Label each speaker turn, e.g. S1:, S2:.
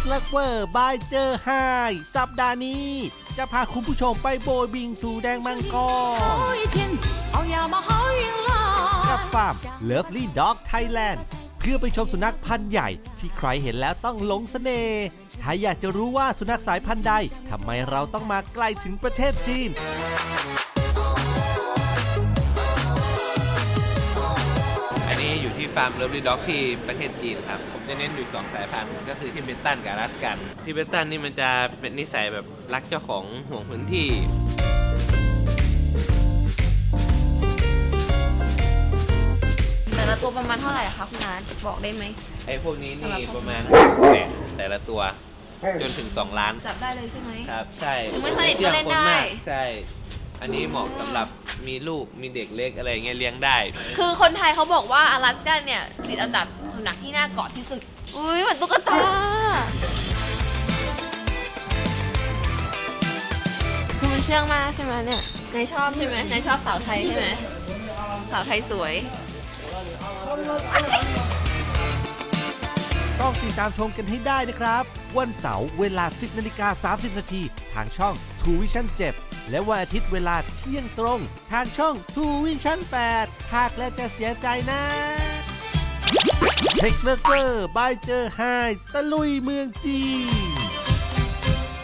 S1: ลักเวอร์บายเจอไฮสัปดาห์นี้ จะพาคุณผู้ชมไปโบยบิงสู่แดงมังกรกับฟาร์ม Lovely Dog Thailand เพื่อไปชมสุนัขพันธุ์ใหญ่ที่ใครเห็นแล้วต้องหลงเสน่ห์ถ้าอยากจะรู้ว่าสุนัขสายพันธุ์ใดทำไมเราต้องมาไกลถึงประเทศจีน
S2: อยู่ที่ฟาร์มเลิฟลี่ด็อกที่ประเทศจีนครับผมจะเน้นอยู่2สายพันธุ์ก็คือทิเบตันกับอลาสกันทิเบตันนี่มันจะเป็นนิสัยแบบรักเจ้าของห่วงพื้นที่
S3: แต่ละตัวประมาณเท่าไหร่คะคุณอาบอกได้ไหม
S2: ไอ้พวกนี้นี่ประมาณแสนแต่ละตัวจนถึง2 ล้าน
S3: จับได้เลยใช่ไหม
S2: ครับใช่
S3: ถึงไม่สนิทก็เล่นได้
S2: ใช่อันนี้เหมาะสำหรับมีลูกมีเด็กเล็กอะไรเงี้ยเลี้ยงได้
S3: คือคนไทยเขาบอกว่าอลาสกันเนี่ยติดอันดับสุนัขที่น่ากอดที่สุดอุ้ยเหมือนตุ๊กตาคือมันเชื่องมากใช่ไหมเนี่ยนายชอบใช่ไหมนายชอบสาวไทยใช่ไหมสาวไทยสวย
S1: ต้องติดตามชมกันให้ได้นะครับวันเสาร์เวลา 10:30 น.ทางช่อง True Vision 7 และวันอาทิตย์เวลาเที่ยงตรงทางช่อง True Vision 8 หากแล้วจะเสียใจนะเทคเนอร์เกอร์บายเจอไฮตะลุยเมืองจีน